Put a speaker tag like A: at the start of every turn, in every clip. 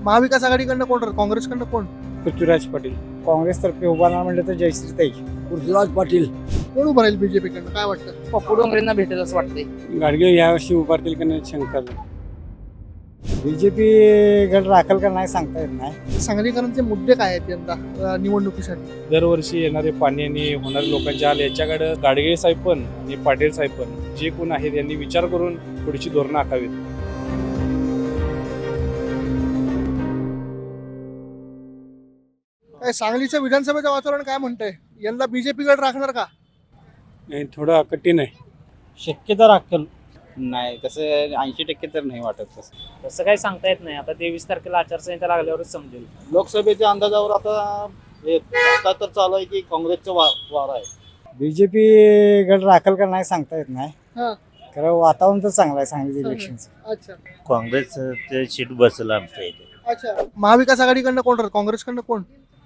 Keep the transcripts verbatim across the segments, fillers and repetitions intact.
A: महाविकास आघाडीकडनं कोण राहील? काँग्रेसकडनं कोण?
B: पृथ्वीराज पाटील. काँग्रेसतर्फे उभा राहणार म्हणलं तर जयश्रीताई.
C: पृथ्वीराज पाटील.
A: कोण उभं राहील बीजेपीकडनं? काय वाटतं?
D: पप्पू डोंगरेंना भेटेल असं वाटतंय.
B: गाडगे यावर्षी उभारतील का नाही शंका. बीजेपी गड राखल का नाही सांगता येत नाही.
A: सांगलीकरांचे मुद्दे काय आहेत यंदा अ, निवडणुकीसाठी?
E: दरवर्षी येणारे पाणी आणि होणारे लोकांचे हाल याच्याकडे गाडगे साहेब पण आणि पाटील साहेब पण जे कोण आहेत यांनी विचार करून पुढची धोरणं आखावीत.
A: काय सांगलीचं विधानसभेचं वातावरण काय म्हणतंय? यंदा बीजेपीकडे राखणार का?
B: नाही, थोडं कठीण आहे.
F: शक्यता राखल नाही तसं ऐंशी टक्के तर नाही वाटत तसं.
D: तसं काही सांगता येत नाही. आता तेवीस तारखेला आचारसंहिता लागल्यावरच समजेल.
F: लोकसभेच्या अंदाजावर आता हे आता तर चालू आहे की काँग्रेसचं वा वार आहे.
B: बीजेपी गड राखल का नाही सांगता येत नाही.
A: हा.
B: कारण वातावरण तर चांगलं आहे सांगली इलेक्शनचं.
A: अच्छा
G: काँग्रेसचं सीट बसलं आमच्या इथे.
A: अच्छा महाविकास आघाडीकडनं कोण राहील? काँग्रेसकडनं कोण?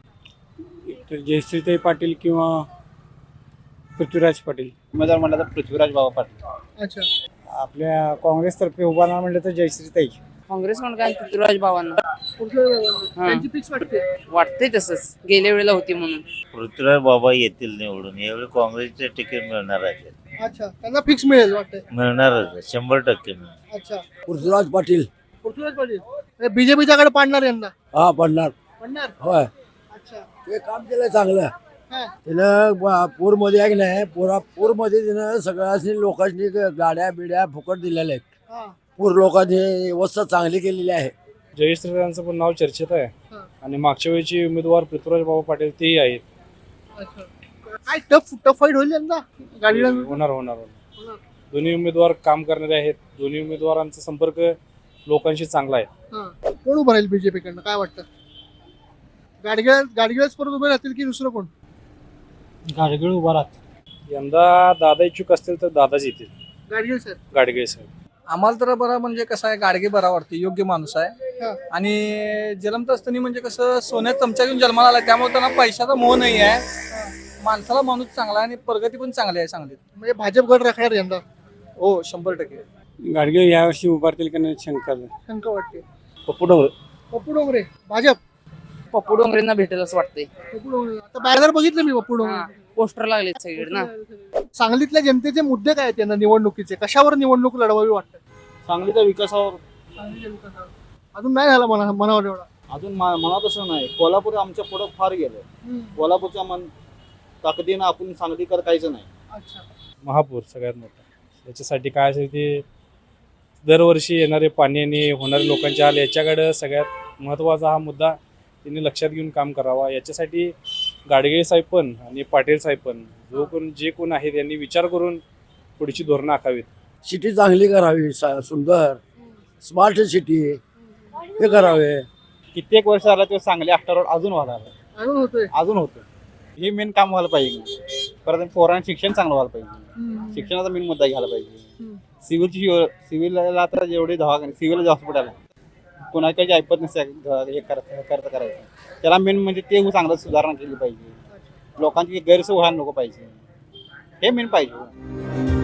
B: तर जयश्रीताई पाटील किंवा पृथ्वीराज पाटील.
F: उमेदवार म्हणलं तर पृथ्वीराज बाबा पाटील.
A: अच्छा
B: आपल्या काँग्रेसतर्फे उभा राहणार म्हणलं तर जयश्रीताई.
D: काँग्रेस म्हणून काय पृथ्वीराज बाबांना
A: कुठल्या त्यांची फिक्स वाटते?
D: वाटतंय तसंच. गेल्या वेळेला होती म्हणून.
G: पृथ्वीराज बाबा येतील निवडून. यावेळी काँग्रेसचे तिकीट मिळणार आहे.
A: अच्छा त्यांना फिक्स मिळेल वाटतंय.
G: मिळणारच आहे, शंभर टक्के मिळणार.
A: अच्छा
C: पृथ्वीराज पाटील.
A: पृथ्वीराज पाटील बीजेपीच्या कडे पाडणार यंदा?
C: हा पडणार.
A: पडणार.
C: होय,
A: अच्छा
C: ते काम केलंय चांगलं.
A: हा.
C: त्यानं ब- पूरमध्ये आहे की नाही, पुरा पूरमध्ये त्यानं सगळ्यांनी लोकांनी गाड्या बिड्या फुकट दिलेल्या आहेत.
A: हा.
C: पूर लोकांनी व्यवस्था चांगली केलेली आहे.
E: जयश्रीताईंचं पण नाव चर्चेत आहे
A: हा.
E: आणि मागच्या वेळची उमेदवार पृथ्वीराज बाबा पाटील तेही आहेत.
A: अच्छा काय टफ टफ फाईट होईल यंदा गाडीला?
E: होणार होणार होणार दोन्ही उमेदवार काम करणारे आहेत. दोन्ही उमेदवारांचा संपर्क लोकांशी चांगला आहे.
A: हा. कोण उभं राहील बीजेपीकडनं? काय वाटतं? गाडगे गाडगेच परत उभे राहतील की दुसरं कोण?
B: गाडगे उभा राहत.
E: यंदा दादा इच्छुक असतील तर दादाच येतील.
A: गाडगे सर.
E: गाडगे साहेब.
H: आम्हाला तर बरा म्हणजे कसं आहे, गाडगे बरा वाटते, योग्य माणूस आहे.
A: हा.
H: आणि जन्मत असताना म्हणजे कसं सोन्यात चमचा घेऊन जन्माला आला, त्यामुळे त्यांना पैशाचा मोह नाही आहे. माणसाला माणूस चांगला आहे आणि प्रगती पण चांगली आहे सांगलीत.
A: म्हणजे भाजप गड राखणार यंदा?
H: हो शंभर टक्के.
B: गाडगे यावर्षी उभारतील का नाही शंका.
A: शंका वाटते.
E: पप्पू डोंगरे.
A: पप्पू डोंगरे भाजप.
D: पप्पू डोंगरेंना भेटेल असं वाटतंय.
A: पप्पू डोंगरे आता बॅनर बघितलं मी पप्पू डोंगरे.
D: पोस्टर लागले सगळीकडे ना.
A: सांगलीतल्या जनतेचे मुद्दे काय आहेत त्यांना निवडणुकीचे? कशावर निवडणूक लढवावी वाटतं?
F: सांगलीच्या विकासावर
A: अजून नाही झाला मना मनावर एवढा.
F: अजून मा- म्हणत असं नाही. कोल्हापूर आमच्या पुढं फार गेलं. कोल्हापूरच्या मन ताकदीनं आपण सांगलीकर काहीच नाही.
A: अच्छा
E: महापूर सगळ्यात मोठा. याच्यासाठी काय असेल ते दरवर्षी येणारे पाणी आणि होणारे लोकांचे हाल याच्याकडे सगळ्यात महत्त्वाचा हा मुद्दा त्यांनी लक्षात घेऊन काम करावा. याच्यासाठी गाडगे साहेब पण आणि पाटील साहेब पण जो कोण जे कोण आहेत यांनी विचार करून पुढची धोरणं आखावीत.
C: सिटी चांगली करावी, सा- सुंदर स्मार्ट सिटी हे करावे.
F: कित्येक वर्ष झाला ते सांगली आफ्टर अजून व्हायला लागलं.
A: अजून होतोय.
F: अजून होतं. हे मेन काम व्हायला पाहिजे. परत पोरांना शिक्षण चांगलं व्हायला पाहिजे. शिक्षणाचा मेन मुद्दा घ्यायला पाहिजे. सिव्हिलची सिव्हिलला तर जेवढे दवाखाने सिव्हिल हॉस्पिटल आहे कोणाची ऐपत नसते हे करत करत करायचं. त्याला मेन म्हणजे ते चांगलं सुधारणा केली पाहिजे. लोकांची गैरसोय व्हायला नको पाहिजे. हे मेन पाहिजे.